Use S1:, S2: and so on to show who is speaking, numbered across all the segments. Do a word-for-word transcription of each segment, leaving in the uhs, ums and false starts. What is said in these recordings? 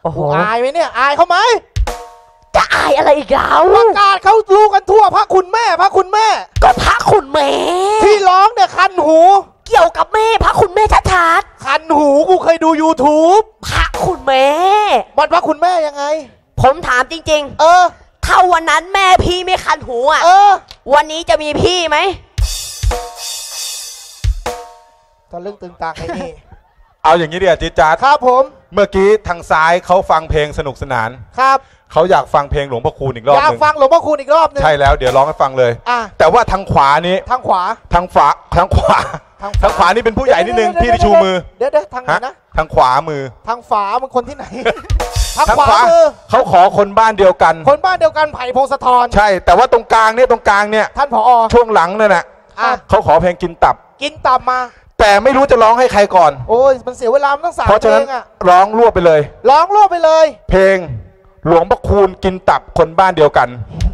S1: กูอายไหมเนี่ยอายเขาไหม
S2: จะอายอะไรอีกแล้ว
S1: ประกาศเขารู้กันทั่วพระคุณแม่พระคุณแม่
S2: ก็พระคุณแม่
S1: ที่ร้องเนี่ยคันหู
S2: เกี่ยวกับแม่พระคุณแม่ชัด
S1: ๆคันหูกูเคยดู ยูทูบ
S2: พระคุณแม่
S1: มันพระคุณแม่ยังไง
S2: ผมถามจริงๆ
S1: เออ
S2: ถ้าวันนั้นแม่พี่ไม่คันหูอ่ะ
S1: เออ
S2: วันนี้จะมีพี่ไหม
S1: ตอนเรื่องตึงตังไอ้นี่
S3: เอาอย่างนี้ดิจิ๊ดจ๊าด
S1: ครับผม
S3: เมื่อกี้ทางซ้ายเขาฟังเพลงสนุกสนาน
S1: ครับ
S3: เขาอยากฟังเพลงหลวงพ่อคูณอีกรอบนึง
S1: อยากฟังหลวงพ่อคูณอีกรอบนึง
S3: ใช่แล้วเดี๋ยวร้องให้ฟังเลยแต่ว่าทางขวานี้
S1: ทางขวา
S3: ทางขวาทางขวาทางขวานี่เป็นผู้ใหญ่นิดนึงพี่ที่ชูมือ
S1: เดี๋ยวเดี๋ยวทางไหนนะ
S3: ทางขวามือ
S1: ทางฝามันคนที่ไหนทางขวามือ
S3: เขาขอคนบ้านเดียวกัน
S1: คนบ้านเดียวกันไผ่พงศธร
S3: ใช่แต่ว่าตรงกลางเนี่ยตรงกลางเนี่ย
S1: ท่านผอ
S3: ช่วงหลังนั่นแหละเขาขอเพลงกินตับ
S1: กินตับมา
S3: แต่ไม่รู้จะร้องให้ใครก่อน
S1: โอ้ยมันเสียเวลามันต้องสามเพ
S3: ราะฉะนั้นร้องรวบไปเลย
S1: ร้องรวบไปเลย
S3: เพลงหลวงพ่อคูณกินตับคนบ้านเดียวกัน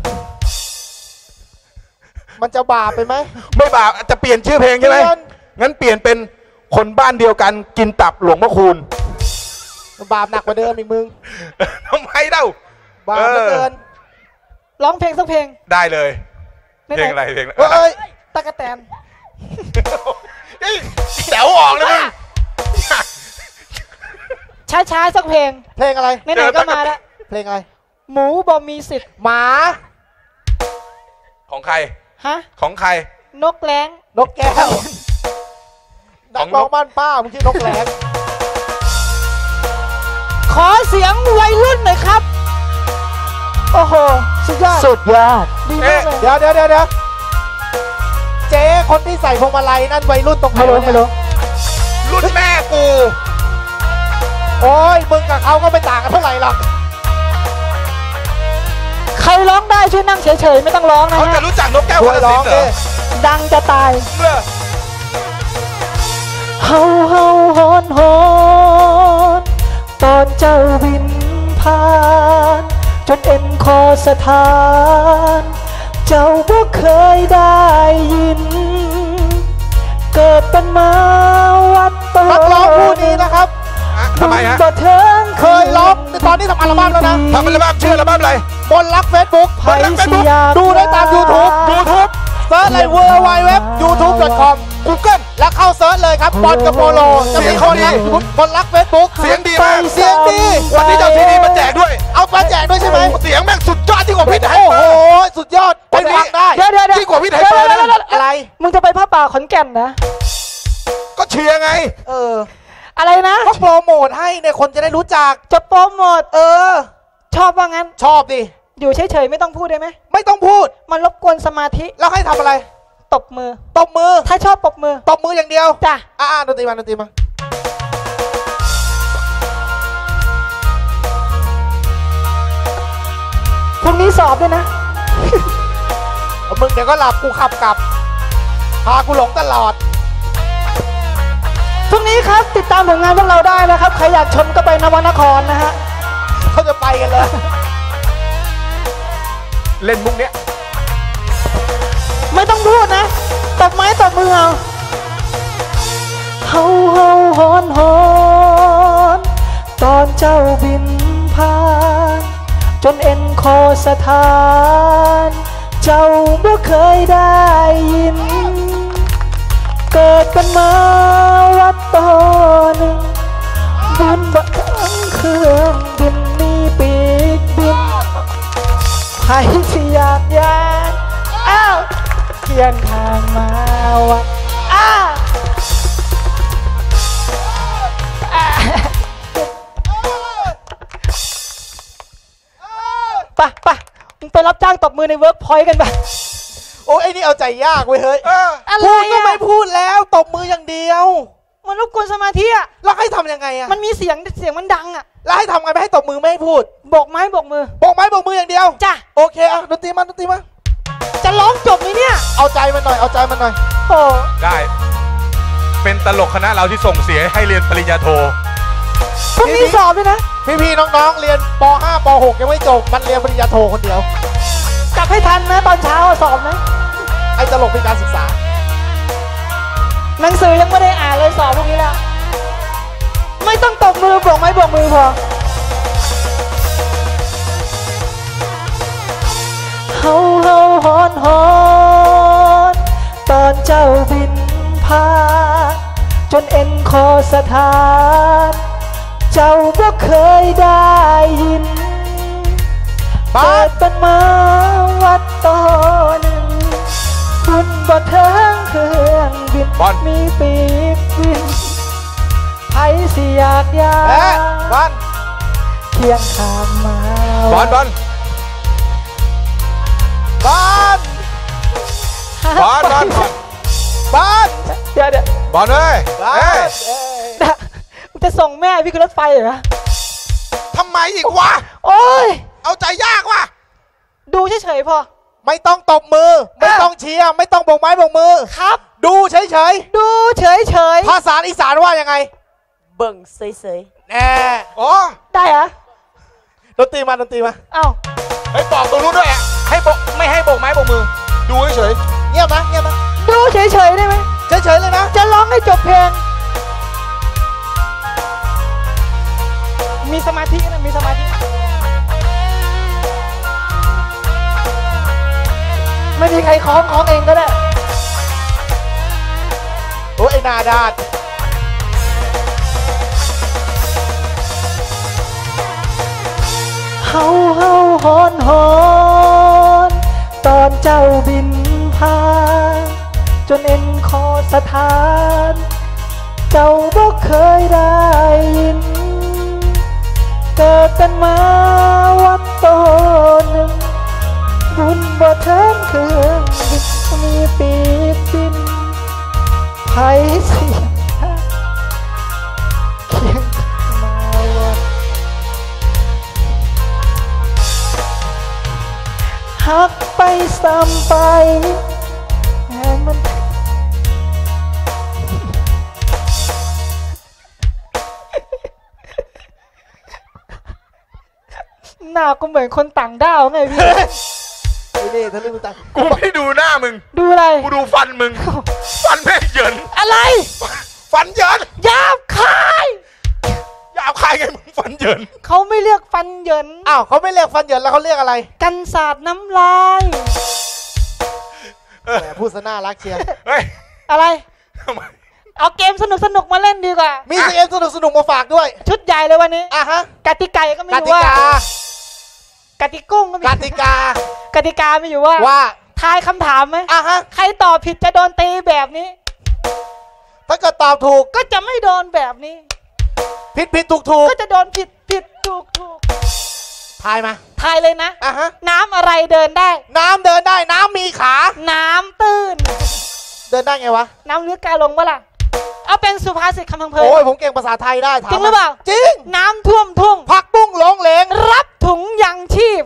S1: มันจะบาปไปไหม
S3: ไม่บาปจะเปลี่ยนชื่อเพลงใช่ไหมงั้นเปลี่ยนเป็นคนบ้านเดียวกันกินตับหลวงพ่อคูณ
S1: บาปหนักกว่าเดิมอีกมึง
S3: ทำไมเล่า
S1: บาปเหลือเกินร้องเพลงสักเพลง
S3: ได้เลยเพลงอะไรเพลง
S1: เอ้ยตะกะแตน
S3: แถวออกเลยมึง
S1: ช้าๆสักเพลงเพลงอะไรไหนๆก็มาแล้วเพลงอะไรหมูบอมีสิทธิ์หมา
S3: ของใคร
S1: ฮะ
S3: ของใคร
S1: นกแร้งนกแก้วนักร้องบ้านป้ามึงชื่อนกแร้งขอเสียงวัยรุ่นหน่อยครับโอ้โหสุดยอด
S2: สุดยอด
S1: ดีมากเลยเดี๋ยวเดี๋ยวเดี๋ยวเจ๊คนที่ใส่พวงมาลัยนั่นวัยรุ่นตรงไหนไม่รู้ไม่รู้
S3: รุ่นแม่กู
S1: โอ้ยมึงกับเขาก็ไม่ต่างกันเท่าไหร่หรอกใครร้องได้ช่วยนั่งเฉยๆไม่ต้องร้องนะ
S3: เขาจะรู้จักนกแก้วคนละสิเหรอ
S1: ดังจะตายเฮาเฮาฮอนฮอนตอนเจ้าบินผ่านจนเอ็นคอสถานเจ้าบ่เคยได้ยินเกิดเป็นมาวัดตนักร้องผู้นี้นะครับ
S3: ทำไมฮะ
S1: เคยร้องตอนนี้ทำอัลบั้มแล้วนะ
S3: ทำอัลบั้มชื่ออัลบั้มอะไร
S1: บนรักเฟซบุ๊ก
S3: บนรักเฟซบุ๊ก
S1: ดูได้ตาม ยูทูบ ยูทูบ เซิร์ชเลย ดับเบิลยู ดับเบิลยู ดับเบิลยู ดอท ยูทูบ ดอท คอม กูเกิล แล้วเข้าเซิร์ชเลยครับบอลกับโปโลจะมีคนรักบนรักเฟซบุ๊ก
S3: เสียงดีมาก
S1: เสียงดี
S3: วันนี้เจ้าซีดีมาแจกด้วย
S1: เอามาแจกด้วยใช่ไหม
S3: เสียงแม่งสุดยอดที่กว่าพี่ไทย
S1: โอ้โหสุดยอดไปฟังได้
S2: เดี๋ยวเดี๋ยว
S3: ที่กว่าพี่ไทยเปิด
S1: อะไรมึงจะไปผ้าป่าขอนแก่นนะ
S3: ก็เชียร์ไง
S1: เอออะไรนะก็โปรโมทให้เนี่ยคนจะได้รู้จักจะโปรโมทเออชอบว่างั้นชอบดิอยู่เฉยๆไม่ต้องพูดได้ไหมไม่ต้องพูดมันรบกวนสมาธิแล้วให้ทำอะไรตบมือตบมือถ้าชอบตบมือตบมืออย่างเดียวจ้ะอ่าดนตรีมาดนตรีมาพรุ่งนี้สอบด้วยนะมึงเดี๋ยวก็หลับกูขับกลับพากูหลงตลอดพรุ่งนี้ครับติดตามผลงานพวกเราได้นะครับใครอยากชมก็ไปนวนครนะฮะเขาจะไปกันเลย
S3: เล่นมุกเนี้ย
S1: ไม่ต้องพูดนะตบไม้ตบมือเอาเฮาเฮาฮอนฮอนตอนเจ้าบินผ่านจนเอ็นคอสถานเจ้าบ่เคยได้ยินเกิดกันมาวัดต่อหนึ่งบินบนทั้งเครื่องบินมีปีกบินใครที่อยากยานอ้าวเขียนทางมาวัดอ้าวไปไปมึงไปรับจ้างตบมือในเวิร์กพอยต์กันไปโอ้ไอ้นี่เอาใจยากเว้ยเฮ้ยพูดก็ไม่พูดแล้วตบมืออย่างเดียวมันรบกวนสมาธิอะแล้วให้ทำยังไงอะมันมีเสียงเสียงมันดังอะแล้วให้ทำไงไม่ให้ตบมือไม่ให้พูดโบกไม้โบกมือโบกไม้โบกมืออย่างเดียวจ้ะโอเคอะดนตรีมาดนตรีมาจะร้องจบไหมเนี่ยเอาใจมันหน่อยเอาใจมันหน่อยโอ้
S3: ได้เป็นตลกคณะเราที่ส่งเสียให้เรียนปริญญาโท
S1: พรุ่งนี้สอบด้วยนะพี่ๆน้องๆเรียนป ห้า ป หกยังไม่จบมันเรียนปริญญาโทคนเดียวกลับให้ทันนะตอนเช้าสอบนะไอ้ตลกเป็นการศึกษาหนังสือยังไม่ได้อ่านเลยสอบพวกนี้แล้วไม่ต้องตบมือโบกไม้โบกมือพอจนเอ็นคอสถานเจ้าบ่เคยได้ยินเปิดเป็นมาวัดต่อหนึ่งบุญบ่เทิงเครื่องบินมีปีกบินไผสิอยากยาบอลเคียงข้างมา
S3: บอลบอล
S1: บอล
S3: บอลบอล
S1: บอลเดี๋ยวเดี๋ยว
S3: บอลเลยเฮ้ย
S1: มึงจะส่งแม่พี่ขึ้นรถไฟเหรอ
S3: ทำไมอีกวะ
S1: โอ้ย
S3: เอาใจยากว่ะ
S1: ดูเฉยๆพอ
S4: ไม่ต้องตบมือไม่ต้องเชียร์ไม่ต้องโบกไม้โบกมือ
S1: ครับ
S4: ดูเฉย
S1: ๆดูเฉย
S4: ๆภาษาอีสานว่ายังไง
S2: เบิ่งเฉย
S4: ๆแน่
S3: อ๋อ
S1: ได้เหรอ
S4: ดนตรีมาดนตรีมา
S1: เอ้า
S3: ให้บอกตรงนู้นด้วยอ่ะให้โบไม่ให้โบกไม้โบกมือดูเฉย
S4: ๆเงียบนะเงียบนะ
S1: ดูเฉยๆได้ไหม
S4: เฉยๆเลยนะ
S1: จะร้องให้จบเพลงมีสมาธินะมีสมาธิไม่มีใครคล้องคล้องเองก็ได้
S4: โอ้ยไอ้นาดาด
S1: เฮาเฮาฮอนฮอนตอนเจ้าบินผ่านจนเอ็นคอสถานเจ้าบ่เคยได้ยินเกิดกันมาวัดโตหนึ่งบุญบ่เทิงเครื่องบินมีปีกบินไผสิเคียงมาวัดหักไปซ้ำไปแหมมันหน้ากูเหมือนคนต่างดาวไงพี่
S4: ไอ้นี่ทะลึ่งตา
S3: กูไม่ดูหน้ามึง
S1: ดูอะไร
S3: กูดูฟันมึงฟันแม่งเหยิน
S1: อะไร
S3: ฟันเหยิน
S1: หยาบคาย
S3: หยาบคายไงมึงฟันเหยิน
S1: เขาไม่เรียกฟันเหยิน
S4: อ้าวเขาไม่เรียกฟันเหยินแล้วเขาเรียกอะไร
S1: กันสาดน้ำลาย
S4: แหมพูดซะน่ารักเชียร์
S3: เฮ้ย
S1: อะไรเอาเกมสนุกสนุกมาเล่นดีกว่า
S4: มีเกมสนุกสนุกมาฝากด้วย
S1: ชุดใหญ่เลยวันนี้
S4: อ่ะฮะ
S1: กติกาก็ไม่รู้ว่ากติกุ้งก็มี
S4: กติกาก
S1: ติกาไม่อยู่ว่า
S4: ว่า
S1: ทายคำถามไหม
S4: อ่ะฮะ
S1: ใครตอบผิดจะโดนตีแบบนี้
S4: ถ้าเกิดตอบถูก
S1: ก็จะไม่โดนแบบนี้
S4: ผิดผิดถูกถูก
S1: ก็จะโดนผิดผิดถูกถูก
S4: ทายมา
S1: ทายเลยนะ
S4: อ่ะฮะ
S1: น้ำอะไรเดินได้
S4: น้ำเดินได้น้ำมีขา
S1: น้ำตื้น
S4: เดินได้ไงวะ
S1: น้ำลึกกาลงวะล่ะเอาเป็นสุภาษิตคำพังเพย
S4: โอ้ยผมเก่งภาษาไทยได้
S1: จริงหรือเปล่า
S4: จริง
S1: น้ำท่วมทุ่ง
S4: ผักบุ้งหลงเหลง
S1: รับถุงยังชีพ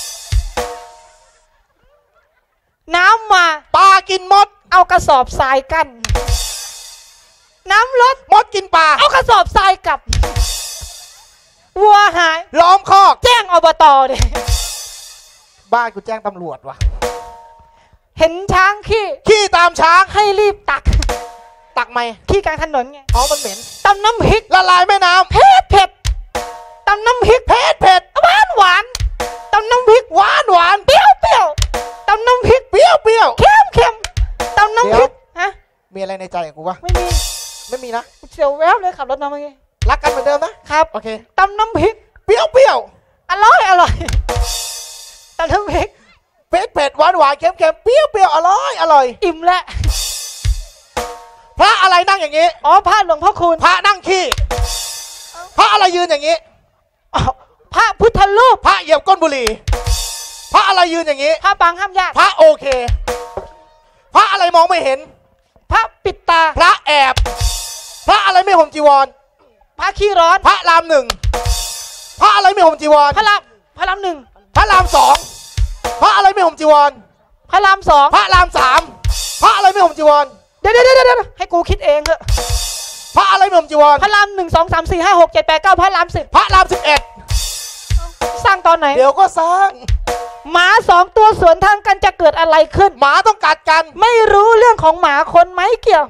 S1: น้ำมา
S4: ปลากินมด
S1: เอากระสอบทรายกั้นน้ำลด
S4: มดกินปลา
S1: เอากระสอบทรายกลับวัวหาย
S4: ล้อมคอก
S1: แจ้งอบตดิ
S4: บ้านกูแจ้งตำรวจว่ะ
S1: เห็นช้างขี้
S4: ขี้ตามช้าง
S1: ให้รีบตัก
S4: ตักไหม
S1: ขี้กลางถนนไง
S4: อ๋อมันเหม็น
S1: ตำน้ำพริก
S4: ละลายแม่น้ำ
S1: เผ็ดเผ็ดตำน้ำพริก
S4: เผ็ดเผ็ด
S1: หวานหวานตำน้ำพริก
S4: หวานหวาน
S1: เปรี้ยวเปรี้ยวตำน้ำพริก
S4: เปรี้ยวเปรี้ยว
S1: เค็มเค็มตำน้ำพริกฮะ
S4: มีอะไรในใจของกูวะ
S1: ไม่มี
S4: ไม่มีนะ
S1: เสียวแวบเลยขับรถมาเมื่อกี้
S4: รักกันเหมือนเดิมนะครับโอเค
S1: ตำน้ำพริก
S4: เปรี้ยวเปรี้ยว
S1: อร่อยอร่อยตำน้ำพริก
S4: เผ็ดเผ็ดหวานหวานเค็มเค็มเปรี้ยวเปรี้ยวอร่อยอร่อย
S1: อิ่มแล้ว
S4: พระอะไรนั่งอย่างนี้
S1: อ๋อพระหลวงพ่อคูณ
S4: พระนั่งขี้พระอะไรยืนอย่างนี้
S1: พระพุทธรูป
S4: พระเหยียบก้นบุหรี่พระอะไรยืนอย่างนี้
S1: พระปังห้ามญาติ
S4: พระโอเคพระอะไรมองไม่เห็น
S1: พระปิดตา
S4: พระแอบพระอะไรไม่ห่มจีวร
S1: พระขี้ร้อน
S4: พระรามหนึ่งพระอะไรไม่ห่มจีวร
S1: พระรามพระรามหนึ่ง
S4: พระรามสองพระอะไรไม่ห่มจีวร
S1: พระรามสอง
S4: พระรามสามพระอะไรไม่ห่มจีวร
S1: เดี๋ยวเดี๋ยวเดี๋ยวให้กูคิดเองเถอะ
S4: พระอะไรไม่ห่มจีวร
S1: พระรามหนึ่งสองสามสี่ห้าหกเจ็ดแปดเก้าพระรามสิบ
S4: พระรามสิบเอ็ด
S1: สร้างตอนไหน
S4: เดี๋ยวก็สร้าง
S1: หมาสองตัวสวนทางกันจะเกิดอะไรขึ้น
S4: หมาต้องกัดกัน
S1: ไม่รู้เรื่องของหมาคนไหมเกี่ยว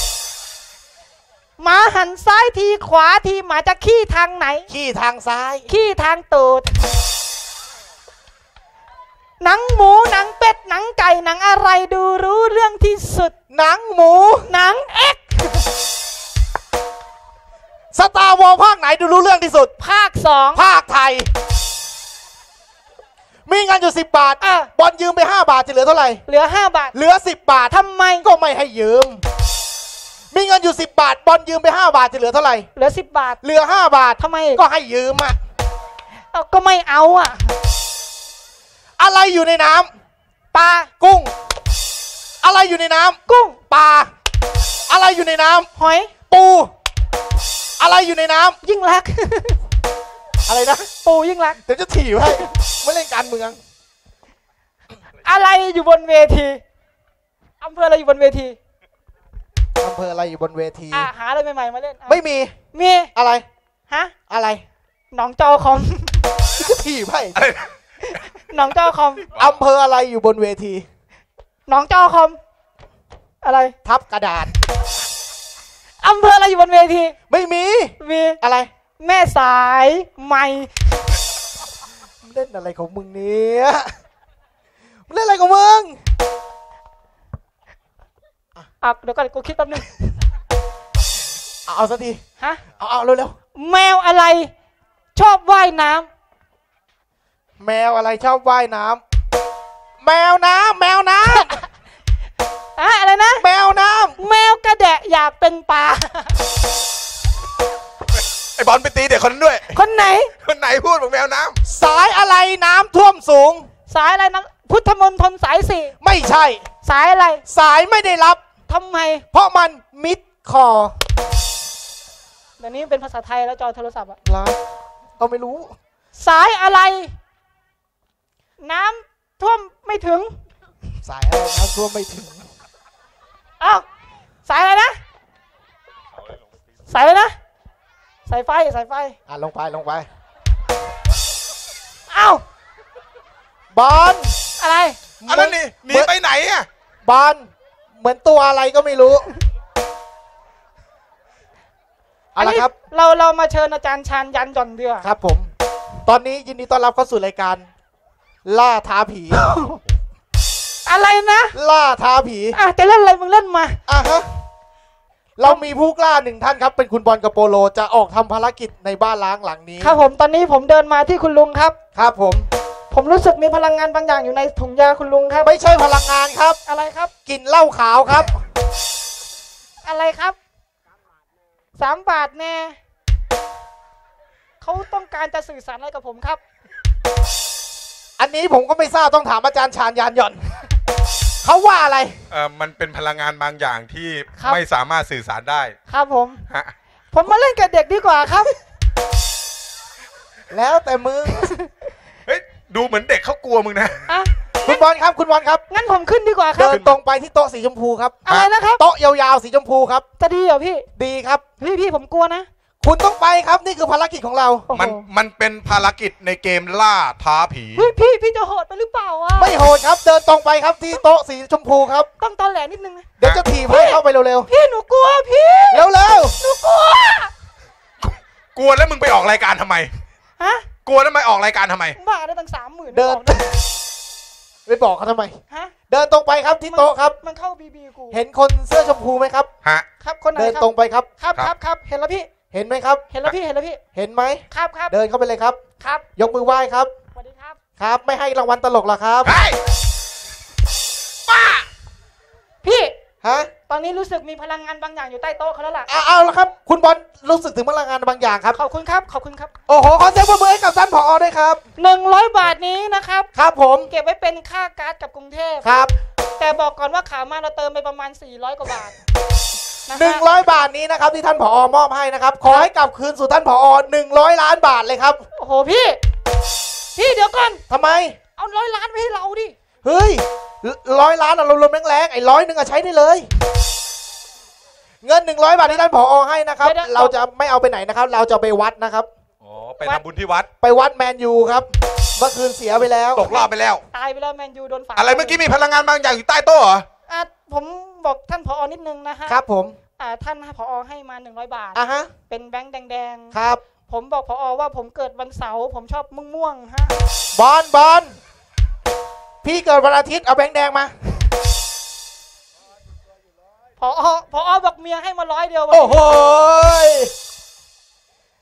S1: หมาหันซ้ายทีขวาทีหมาจะขี้ทางไหน
S4: ขี้ทางซ้าย
S1: ขี้ทางตูดหนังหมูหนังเป็ดหนังไก่หนังอะไรดูรู้เรื่องที่สุด
S4: หนังหมู
S1: หนังเอ็ก
S4: สตาร์วอลภาคไหนดูรู้เรื่องที่สุด
S2: ภาคสอง
S4: ภาคไทยมีเงินอยู่สิบบาท
S2: อ่ะ
S4: บอลยืมไปห้าบาทจะเหลือเท่าไหร่
S2: เหลือห้าบาท
S4: เหลือสิบบาท
S2: ทำไม
S4: ก็ไม่ให้ยืมมีเงินอยู่สิบบาทบอลยืมไปห้าบาทจะเหลือเท่าไหร่
S2: เหลือสิบบาท
S4: เหลือห้าบาท
S2: ทำไม
S4: ก็ให้ยืมอะ
S2: เอาก็ไม่เอาอ่ะ
S4: อะไรอยู่ในน้ำ
S2: ปลา
S4: กุ้ง อะไรอยู่ในน้ำ
S2: กุ้ง
S4: ปลาอะไรอยู่ในน้ำ
S2: หอย
S4: ปูอะไรอยู่ในน้ำ
S2: ยิ่งรัก
S4: อะไรนะ
S2: ปูยิ่งรัก
S4: เดี๋ยวจะถีบให้ไม่เล่นการเมือง
S2: อะไรอยู่บนเวทีอำเภออะไรอยู่บนเวที
S4: อำเภออะไรอยู่บนเวที
S2: อ่ะหาอะไรใหม่ๆมาเล่นอ่ะ
S4: ไม่มี
S2: มี
S4: อะไร
S2: ฮะ
S4: อะไร
S2: หนองจอคอม
S4: จะถีบให้
S2: หนองจอคอม
S4: อำเภออะไรอยู่บนเวที
S2: หนองจอคอม อะไร
S4: ทับกระดาษ
S2: อำเภออะไรอยู่บนเวที
S4: ไม่มี
S2: มี
S4: อะไร
S2: แม่สายใหม่
S4: เล่นอะไรของมึงเนี่ยมึงเล่นอะไรของมึง
S2: อ่ะเดี๋ยวก่อนกูคิดแป๊บนึง
S4: เอาเอาสักที
S2: ฮะ
S4: เอาเอาเร็ว
S2: แมวอะไร ชอบว่ายน้
S4: ๆแมวอะไรชอบว่ายน้ำแมวน้ำแมวน้
S2: ำอะอะไรนะ
S4: ำแมวน้
S2: แมวกระแดะอยากเป็นปลา
S3: ไอ้บอลไปตีเด็กคนนั้นด้วย
S2: คนไหน
S3: คนไหนพูดบอกแมวน้
S4: ำสายอะไรน้ำท่วมสูง
S2: สายอะไรนะพุทธมณฑลสายสี่
S4: ไม่ใช่
S2: สายอะไร
S4: สายไม่ได้รับ
S2: ทำไม
S4: เพราะมันมิดคอ
S2: เดี๋ยวนี้เป็นภาษาไทยแล้วจอโทรศัพท์อะ
S4: รับก็ไม่รู้
S2: สายอะไร น้ำท่วมไม่ถึง
S4: สายอะไรน้ำท่วมไม่ถึง
S2: อ้าวสายอะไรนะ สายอะไรนะ สายไฟสายไฟ
S4: อ่ะลงไปลงไป
S2: อ้าว
S4: บอล
S2: อะไร
S3: ำอันนั้นนี่หนีไปไหนอ่ะ
S4: บอลเหมือนตัวอะไรก็ไม่รู้เอาละครับ
S2: เราเรามาเชิญอาจารย์ชาญยันหย่อนเดือ
S4: ครับผม ตอนนี้ยินดีต้อนรับเข้าสู่รายการ ล่าท้าผี
S2: อะไรนะ
S4: ล่าท้าผี
S2: อ่ะจะเล่นอะไรมึงเล่นมา
S4: อ่ะฮะเรามีผู้กล้าหนึ่งท่านครับ เป็นคุณบอลกับโปโลจะออกทำภารกิจในบ้านล้างหลังนี้
S2: ครับผมตอนนี้ผมเดินมาที่คุณลุงครับ
S4: ครับผม
S2: ผมรู้สึกมีพลังงานบางอย่างอยู่ในถุงยาคุณลุงครับ
S4: ไม่ใช่พลังงานครับ
S2: อะไรครับ
S4: กลิ่นเหล้าขาวครับ
S2: อะไรครับสามบาทแน่เขาต้องการจะสื่อสารอะไรกับผมครับ
S4: อันนี้ผมก็ไม่ทราบต้องถามอาจารย์ชาญยานหย่อน เขาว่าอะไร
S3: เออมันเป็นพลังงานบางอย่างที่
S2: ครับ
S3: ไม่สามารถสื่อสารได้
S2: ครับผม
S3: ฮะ
S2: ผมมาเล่นกับเด็กดีกว่าครับ
S4: แล้วแต่มึง
S3: เฮ้ยดูเหมือนเด็กเขากลัวมึงนะ
S2: อ่ะ
S4: คุณบอลครับคุณบอลครับ
S2: งั้นผมขึ้นดีกว่าครั
S4: เดิ
S2: บ
S4: นตรงไปที่โต๊ะสีชมพูครับ
S2: อะไรนะครับ
S4: โต๊ะยาวๆสีชมพูครับ
S2: จะดีเหรอพี่
S4: ดีครับ
S2: พี่พี่ผมกลัวนะ
S4: คุณต้องไปครับนี่คือภารกิจของเรา
S2: โอ้โห
S3: มันมันเป็นภารกิจในเกมล่าท้าผี
S2: เฮ้ยพี่พี่จะโหดไปหรือเปล่าอ่ะ
S4: ไม่โหดครับ เดินตรงไปครับที่โต๊ะสีชมพูครับ
S2: ต้องตอนแหลนิดนึงนะ
S4: เดี๋ยวจะถีบให้เข้าไปเร็ว
S2: พี่หนูกลัวพี่
S4: ๆเร็ว
S2: หนูกลัว
S3: กลัวแล้วมึงไปออกรายการทำไม
S2: ฮะ
S3: กลัวแล้วไปออกรายการทำไม
S2: บ้าได้ตั้งสามหมื่น
S4: ๆเดินไปบอกเขาทำไม
S2: ฮะ
S4: เดินตรงไปครับที่โต๊ะครับ
S2: มันเข้าบีบีกู
S4: เห็นคนเสื้อชมพูไหมครับ
S3: ฮะ
S2: ครับคนไหน
S4: เดิน
S2: ครับ
S4: ตรงไปครับ
S2: ครับ
S3: ค
S2: ค
S3: รั
S2: รับ บครับเห็นแล้วพี่
S4: เห็นไหมครับ
S2: เห็นแล้วพี่เห็นแล้วพี่
S4: เห็นไหม
S2: ครับครับ
S4: เดินเข้าไปเลยครับ
S2: ครับ
S4: ยกมือไหว้ครับ
S2: สวัสดีครับ
S4: ครับ ไม่ให้รางวัลตลกหรอครับ
S3: เฮ้ยป้า
S2: พี่
S4: ฮะ
S2: ตอนนี้รู้สึกมีพลังงานบางอย่างอยู่ใต้โต๊ะเขาแล้วล่ะ
S4: เอาเอาละครับ คุณบอลรู้สึกถึงพลังงานบางอย่างครับ
S2: ขอบคุณครับขอบคุณครับ
S4: โอ้โหขอเสียงปรบมือให้กับท่านผอด้วยครับ
S2: หนึ่งร้อยบาทนี้นะครับ
S4: ครับผม
S2: เก็บไว้เป็นค่าการ์ดกับกรุงเทพ
S4: ครับ
S2: แต่บอกก่อนว่าขามาเราเติมไปประมาณสี่ร้อยกว่าบาทนะ
S4: หนึ่ง
S2: ฮะ
S4: ร้อยบาทนี้นะครับที่ท่านผอมอบให้นะครับ ขอให้กลับคืนสู่ท่านผอหนึ่งร้อยล้านบาทเลยครับ
S2: โอ้โหพี่ พี่เดี๋ยวก่อน
S4: ทำไม
S2: เอาร้อยล้านไปให้เราดิ
S4: เฮ้ยร้อยล้านอะลมๆแรงๆไอ้ร้อยหนึ่งอะใช้ได้เลย เงินหนึ่งร้อยบาทที่ท่านผอให้นะครับ เราจะไม่เอาไปไหนนะครับ เราจะไปวัดนะครับ
S3: อ๋อไปทำบุญที่วัด
S4: ไปวัดแมนยูครับ เมื่อคืนเสียไปแล้ว
S3: ตกรอบไปแล้ว
S2: ตายไปแล้วแมนยูโดนฝา
S3: อะไรเมื่อกี้มีพลังงานบางอย่างอยู่ใต้โต๊ะเหรอ
S2: อ่ะผมบอกท่านผอนิดนึงนะฮะ
S4: ครับผม
S2: อ่าท่านผอให้มาหนึ่งร้อยบาท
S4: อ่ะฮะ
S2: เป็นแบงค์แดงๆ
S4: ครับ
S2: ผมบอกผอว่าผมเกิดวันเสาร์ผมชอบม่วงม่วงๆฮะ
S4: บอลบอลพี่เกิดวันอาทิตย์เอาแบงค์แดงมา
S2: ผอผอบอกเมียให้มาร้อยเดียววัน
S4: โอ้
S2: นี้
S4: โห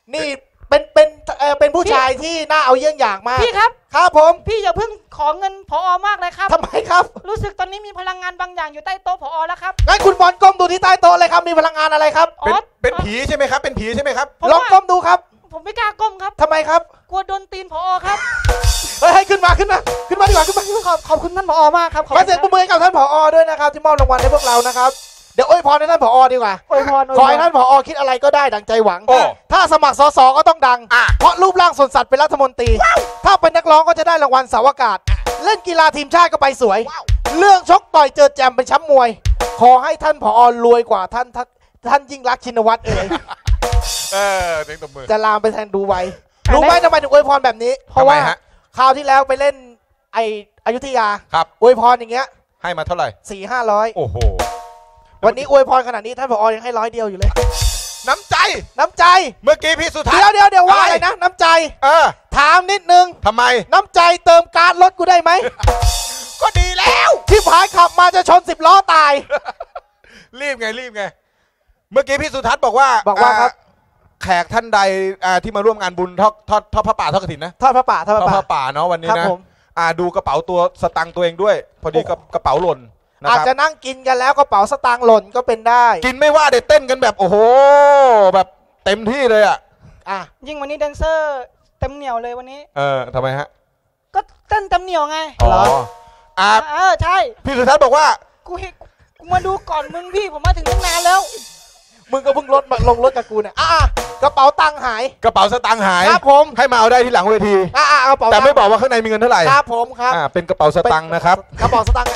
S4: นี่เป็นเป็นเอ่อเป็นผู้ชายที่น่าเอาเยี่ยงอย่างมาก
S2: พี่ครับ
S4: ครับผม
S2: พี่อย่าเพิ่งขอเงินผอมากเลยครับ
S4: ทำไมครับ
S2: รู้สึกตอนนี้มีพลังงานบางอย่างอยู่ใต้โต๊ะผอแล้วครับ
S4: งั้นคุณบอลก้มดูที่ใต้โต๊ะเลยครับมีพลังงานอะไรครับ
S2: อ๋
S3: เป็น
S2: อ
S3: เป็นผีใช่ไหมครับ เป็นผีใช่ไหมครับ
S2: ผม
S4: ลอง
S2: ว่า
S4: ก้มดูครับ
S2: ผมไม่กล้าก้มครับ
S4: ทำไมครับ
S2: กลัวโดนตีนผอครับ
S4: เฮ้ยให้ขึ้นมาขึ้นมาขึ้นมาดีกว่าขึ้นมาขึ้นมา
S2: ขอบขอบคุณท่านผอมากครับขอบ
S4: ขอ
S2: คุณ
S4: เสียงปรบมือให้กับท่านผอด้วยนะครับที่มอบรางวัลให้พวกเรานะครับเดี๋ยวอวยพรให้ท่านผอดีกว่า
S2: อวยพรอวย
S4: ข
S2: พ
S4: อ
S2: ร
S4: ให้ท่านผอคิดอะไรก็ได้ดังใจหวัง
S3: โอ้
S4: ถ้าสมัครสสก็ต้องดัง
S3: อ่ะ
S4: เพราะรูปร่างสนสัตว์เป็นรัฐมนตรี ถ้าเป็นนักร้องก็จะได้รางวัลเสาวอากาศ เล่นกีฬาทีมชาติก็ไปสวย เรื่องชกต่อยเจอแจมเป็นแชมป์มวย ขอให้ท่านผอรวยกว่าท่านท่านท่านยิ่งรักษณ์ชินวัตรเอ่ย
S3: เออเสียงตบมือ
S4: จะลามไปแทนดูไว้รู้ไหมทำไมถึงอวยพรแบบนี้ เพราะว่า
S3: ทำไมฮะ
S4: คราวที่แล้วไปเล่นไออยุธยา
S3: ครับ
S4: อวยพรอย่างเงี้ย
S3: ให้มาเท่าไหร่
S4: สี่ห้าร้อย
S3: โอ้โห
S4: วันนี้อวยพรขนาดนี้ท่านผอยังให้ร้อยเดียวอยู่เลย
S3: น้ำใจ
S4: น้ำใจ
S3: เมื่อกี้พี่สุทัศ
S4: เดี๋ยว
S3: น์
S4: เดี๋ยวเดี๋ยวว่า
S3: อะไร
S4: อะไรนะ น้ำใจ
S3: เออ
S4: ถามนิดนึง
S3: ทำไม
S4: น้ำใจเติมการรถกูได้ไหม
S3: ก็ดีแล้ว
S4: ที่ผายขับมาจะชนสิบล้อตาย
S3: รีบไงรีบไง เมื่อกี้พี่สุทัศน์บอกว่า
S4: บอกว่าครับ
S3: แขกท่านใดอ่าที่มาร่วมงานบุญทอดทอดทอดพระป่าทอดกฐินนะ
S4: ทอดพระป่าทอด
S3: ท
S4: พ
S3: อด
S4: ระ
S3: พ
S4: ป่า
S3: ระป่าเนาะวันนี้
S4: ครับ
S3: นะ
S4: ผม
S3: อ่าดูกระเป๋าตัวสตังค์ตัวเองด้วย พอดีกับกระเป๋าหล่นนะ
S4: อาจ
S3: ครับ
S4: จะนั่งกินกันแล้วกระเป๋าสตางค์หล่นก็เป็นได้
S3: กินไม่ว่าเด็ดเต้นกันแบบโอ้โหแบบเต็มที่เลยอ่ะ
S4: อ่ะ
S2: ยิ่งวันนี้แดนเซอร์เต็มเหนียวเลยวันนี้
S3: เออทำไมฮะ
S2: ก็เต้นเต็มเหนียวไง
S3: อ๋ออ่า
S2: เออใช่
S3: พี่สุทัศน์บอกว่า
S2: กูเห็นกูมาดูก่อนมึงพี่ผมมาถึงตั้งนานแล้ว
S4: มึงก็เพิ่งรถมาลงรถกับกูเนี่ยอ่ะอ่ะกระเป๋าตังค์หาย
S3: กระเป๋าสตางค์หาย
S4: ครับผม
S3: ให้มาเอาได้ที่หลังเวที
S4: อ่ะอ่ะกระเป๋า
S3: แต่ไม่
S4: ตังค์
S3: บอกว่าข้างในมีเงินเท่าไหร่
S4: ครับผมครับ
S3: อ่าเป็นกระเป๋าสตางค์นะครับ
S4: กระเป๋าสตางค์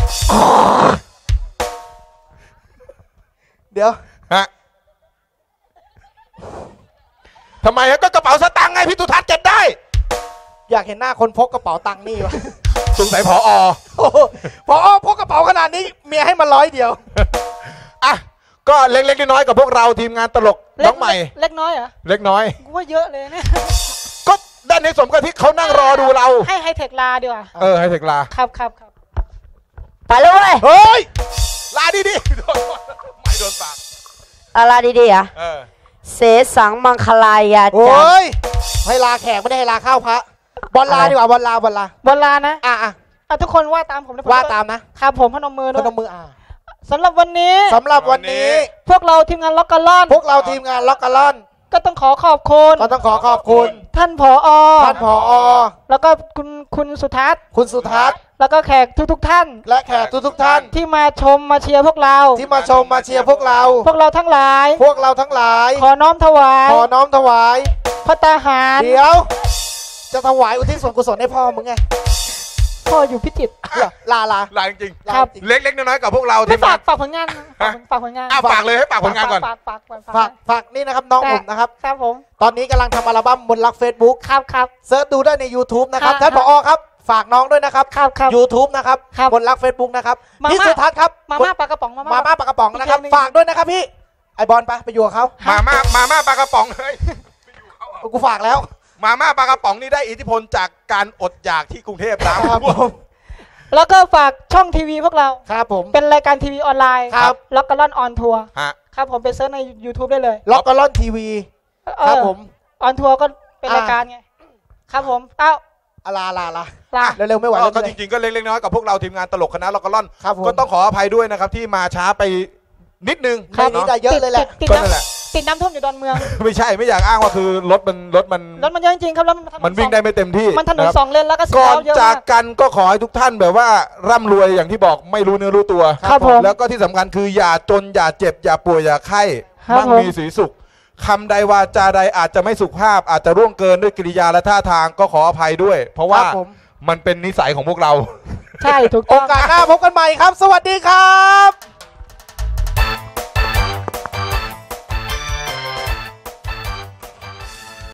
S4: เดี๋ยว
S3: ฮะทำไมฮะก็กระเป๋าสตางค์ไงพี่สุทัศน์เก็บได้
S4: อยากเห็นหน้าคนพกกระเป๋าตังค์นี่วะ
S3: สงสัยผอ
S4: โอ้โหพอพกกระเป๋าขนาดนี้เมียให้มาร้อยเดียว
S3: อ่ะก็เล็กๆน้อยๆกับพวกเราทีมงานตลกน้องใหม่
S2: เล็กน้อยเหรอ
S3: เล็กน้อย
S2: กูว่าเยอะเลยเนี่ย
S3: ก็ด้านในสมกับที่เขานั่งรอดูเรา
S2: ให้ไฮเทคลาดีกว่า
S3: เออให้เทคลา
S2: ครับครับครับ
S5: ไปเลย
S4: เฮ้ย
S3: ลาดีๆโดนไม่โดนปาก
S5: อะไรดีๆอ่ะ
S3: เออ
S5: เสสังมังคลายา
S4: โอ้
S5: จัน
S4: ยให้ลาแขกไม่ได้ให้ลาข้าวพระบอลลาดีกว่าบอลลาบอลลา
S2: บอลลานะ
S4: อ่ะอ่ะ
S2: อ่ะทุกคนว่าตามผมนะผม
S4: ว่าตามนะครับ
S2: ผมพนมมือ
S4: พ
S2: ด้วย
S4: นมมืออ่ะ
S2: สำหรับวันนี้
S4: สำหรับวันนี้
S2: พวกเราทีมงานล็อกกะล่อน
S4: พวกเราทีมงานล็อกกะล่อน
S2: ก็ต้องขอขอบคุณ
S4: ก็ต้องขอขอบคุณ
S2: ท่านผอ
S4: ท่านผอ
S2: แล้วก็คุณคุณสุทัศน์
S4: คุณสุทัศน์
S2: แล้วก็แขกทุกทุกๆท่าน
S4: และแขกทุกๆท่าน
S2: ที่มาชมมาเชียร์พวกเรา
S4: ที่มาชมมาเชียร์พวกเรา
S2: พวกเราทั้งหลาย
S4: พวกเราทั้งหลาย
S2: ขอน้อมถวาย
S4: ขอน้อมถวาย
S2: พระตาหาร
S4: เดี๋ยว จะถวายอุทิศส่วนกุศลให้พ่อมึงไง
S2: พ่ออยู่พิจิตร
S4: เหรอลาลา
S3: ลาจริง
S2: ครับ
S3: ๆเล็กๆน้อยๆกับพวกเราที
S2: ไม่
S3: ม
S2: ฝาง
S3: าก น
S2: ฝากผลงานฝากฝากผลงาน
S3: อ่ะฝากเลยให้ฝากผลงานก่อน
S2: ฝากฝากฝาก
S4: ฝากฝากนี่นะครับน้องผมนะครับ
S2: ครับผม
S4: ตอนนี้กำลังทำอัลบั้มบนรัก Facebook
S2: ครับครับ
S4: เซิร์ชดูได้ใน YouTube นะครับ
S2: ครับ
S4: ท่านผอครับ ฝากน้องด้วยนะครับ
S2: ครับครับ
S4: YouTube นะครับ
S2: ครับ
S4: บนรัก Facebook นะครับ
S2: มาม่า
S4: พี่สุทัศน์ครับ
S2: มาม่าปลากระป๋องมา
S4: มา
S2: ม่า
S4: ม่าปลากระป๋องนะครับ
S2: อีกเพลงหนึ่ง
S4: ฝากด้วยนะครับพี่ ไอบอลไปไปอยู่กับเขา
S3: มาม่ามาม่าปลากระป๋องเฮ้ย
S4: กูฝากแล้ว
S3: มาม่าปลากระป๋องนี่ได้อิทธิพลจากการอดอยากที่กรุงเทพน้ำ
S4: ครับผม
S2: แล้วก็ฝากช่องทีวีพวกเรา
S4: ครับผม
S2: เป็นรายการทีวีออนไลน์
S4: ครับ
S2: ล็อกกะล่อนออนทัวร์
S3: ฮะ
S2: ครับผมไปเซิร์ชใน YouTube ได้เลย
S4: ล็อกกะล่อนทีวี ครับผม
S2: ออนทัวร์ก็เป็น
S4: อ่าร
S2: รายการไง ครับผม เอ้า
S4: อะลาลาลา
S2: ลา
S4: เร็วๆไม่ไหวแล้ว
S3: ก็จริงๆก็เล็กๆน้อยๆกับพวกเราทีมงานตลกคณะล็อกกะล่อน
S4: ครับผม
S3: ก็ต้องขออภัยด้วยนะครับที่มาช้าไปนิดนึง
S4: ครับนี้
S3: เนาะ
S4: ได้เยอะเลยแหละ
S2: ติด
S3: ก็
S2: น้
S3: นั่นแหละ
S2: ำติดน้ำท่วมอยู่ดอนเมือง
S3: ไม่ใช่ไม่อยากอ้างว่าคือรถมันรถมัน
S2: รถมันเยอะจริงๆครับแล้วมันถนน
S3: มันวิ่ง
S2: สอ
S3: ได้ไม่เต็มที่
S2: มันถนน
S3: นะครับ
S2: สองเลนแล้วก็สี
S3: ก่อน
S2: เทาเยอะ
S3: จาก
S2: มาก
S3: กันก็ขอให้ทุกท่านแบบว่าร่ำรวยอย่างที่บอกไม่รู้เนื้อรู้ตัว
S2: ครับผม
S3: แล้วก็ที่สำคัญคืออย่าจนอย่าเจ็บอย่าป่วยอย่าไข้
S2: ครับ
S3: มั่ง
S2: ผม
S3: มีสีสุขคำใดวาจาใดอาจจะไม่สุภาพ อาจจะร่วงเกินด้วยกิริยาและท่าทางก็ขออภัยด้วย เพราะว่า
S4: ครับผม
S3: มันเป็นนิสัยของพวกเรา
S2: ใช่ถูก
S4: โอ
S2: ต้อง
S4: กาสหน้าพบกันใหม่ครับ สวัสดีครับ